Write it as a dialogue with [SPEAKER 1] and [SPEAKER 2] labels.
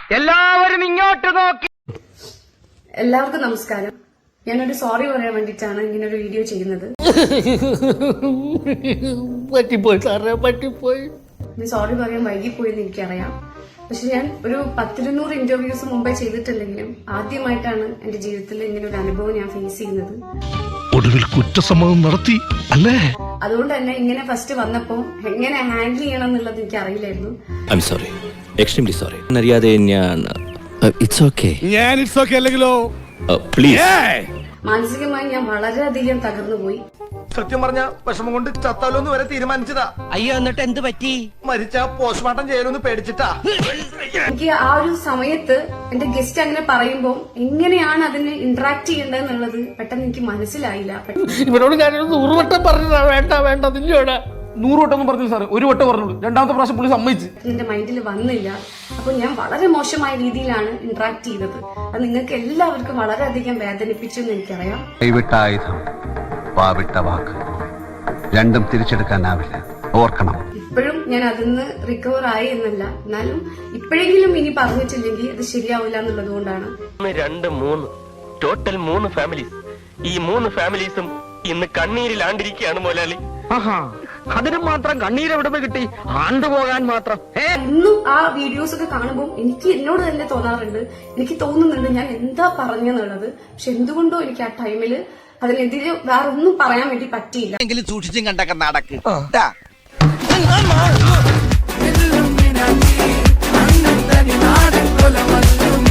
[SPEAKER 1] എല്ലാവരും ഇങ്ങോട്ട് നോക്കി.
[SPEAKER 2] എല്ലാവർക്കും നമസ്കാരം. ഞാനൊരു സോറി പറയാൻ വേണ്ടിയിട്ടാണ് ഇങ്ങനെ ഒരു വീഡിയോ ചെയ്യുന്നത്.
[SPEAKER 3] പറ്റിപ്പോയി സാറേ, പറ്റിപ്പോയി.
[SPEAKER 2] സോറി പറയാൻ വൈകിപ്പോയെന്ന് എനിക്കറിയാം. പക്ഷെ ഞാൻ ഒരു 10-200 ഇന്റർവ്യൂസ് മുമ്പേ ചെയ്തിട്ടില്ലെങ്കിലും ആദ്യമായിട്ടാണ് എന്റെ ജീവിതത്തിൽ ഇങ്ങനെ ഒരു അനുഭവം ഞാൻ ഫേസ് ചെയ്യുന്നത്.
[SPEAKER 4] ഒടുവിൽ കുറ്റസമ്മതം നടത്തി അല്ലേ?
[SPEAKER 2] അതുകൊണ്ട് തന്നെ ഇങ്ങനെ ഫസ്റ്റ് വന്നപ്പോ എങ്ങനെ ഹാൻഡിൽ ചെയ്യണം എന്നുള്ളത് എനിക്ക് അറിയില്ലായിരുന്നു.
[SPEAKER 5] Sorry, extremely sorry. അറിയാതെ ഞാൻ ഇറ്റ്സ് ഓക്കെ.
[SPEAKER 4] ഞാൻ ഇറ്റ്സ് ഓക്കെ അല്ലെങ്കിലോ?
[SPEAKER 5] പ്ലീസ്.
[SPEAKER 2] മാനസികമായി ഞാൻ വളരെയധികം തകർന്നു പോയി.
[SPEAKER 6] സത്യം പറഞ്ഞ വിഷമം കൊണ്ട് ചത്താലോന്ന് വരെ തീരുമാനിച്ചതാ.
[SPEAKER 1] അയ്യോ, എന്നിട്ട് എന്ത് പറ്റി?
[SPEAKER 6] മരിച്ച പോസ്റ്റ്മോർട്ടം ചെയ്യലൊന്ന് പേടിച്ചിട്ടാ.
[SPEAKER 2] എനിക്ക് ആ ഒരു സമയത്ത് എന്റെ ഗസ്റ്റ് അങ്ങനെ പറയുമ്പോൾ എങ്ങനെയാണ് അതിനെ ഇന്ററാക്ട് ചെയ്യേണ്ടതെന്നുള്ളത് പെട്ടെന്ന് എനിക്ക് മനസ്സിലായില്ല.
[SPEAKER 3] ഇവരോട് ഞാനൊരു 100 വട്ടം പറഞ്ഞതാ, വേണ്ട വേണ്ട നിന്നോടാ.
[SPEAKER 6] 100 വട്ടം ഒന്നും പറഞ്ഞില്ല സാറേ, 1 വട്ടം പറഞ്ഞുള്ളൂ. രണ്ടാമത്തെ പ്രാവശ്യം പുള്ളി സമ്മതിച്ച്.
[SPEAKER 2] എന്റെ മൈൻഡിൽ വന്നില്ല. അപ്പൊ ഞാൻ വളരെ മോശമായ രീതിയിലാണ് ഇന്ററാക്ട് ചെയ്തത്. അത് നിങ്ങൾക്ക് എല്ലാവർക്കും വളരെയധികം വേദനിപ്പിച്ചു എന്ന് എനിക്കറിയാം.
[SPEAKER 7] കൈവിട്ട ആയുധം, വാവിട്ട വാക്ക്, രണ്ടും തിരിച്ചെടുക്കാനാവില്ല, ഓർക്കണം.
[SPEAKER 2] ഇപ്പോഴും ഞാൻ അതിന്ന് റിക്കവർ ആയി എന്നല്ല, എന്നാലും ഇപ്പോഴെങ്കിലും ഇനി പറഞ്ഞിട്ടില്ലെങ്കിൽ അത് ശരിയാവില്ല എന്നുള്ളത് കൊണ്ടാണ്.
[SPEAKER 8] 2, 3 ടോട്ടൽ 3 ഫാമിലീസ്. ഈ 3 ഫാമിലീസും ഇന്ന് കണ്ണീരിലാണ്ടിരിക്കുകയാണ് മുതലാളി.
[SPEAKER 1] അതിനും മാത്രം കണ്ണീര് എവിടെ കിട്ടി? ആണ്ടുപോകാൻ മാത്രം.
[SPEAKER 2] ഇന്നും ആ വീഡിയോസ് ഒക്കെ കാണുമ്പോൾ എനിക്ക് എന്നോട് തന്നെ തോന്നാറുണ്ട്, എനിക്ക് തോന്നുന്നുണ്ട് ഞാൻ എന്താ പറഞ്ഞെന്നുള്ളത്. പക്ഷെ എന്തുകൊണ്ടോ എനിക്ക് ആ ടൈമില് അതിനെതിരെ വേറെ ഒന്നും പറയാൻ വേണ്ടി പറ്റിയില്ല.
[SPEAKER 1] സൂക്ഷിച്ചും കണ്ടൊക്കെ നടക്ക്.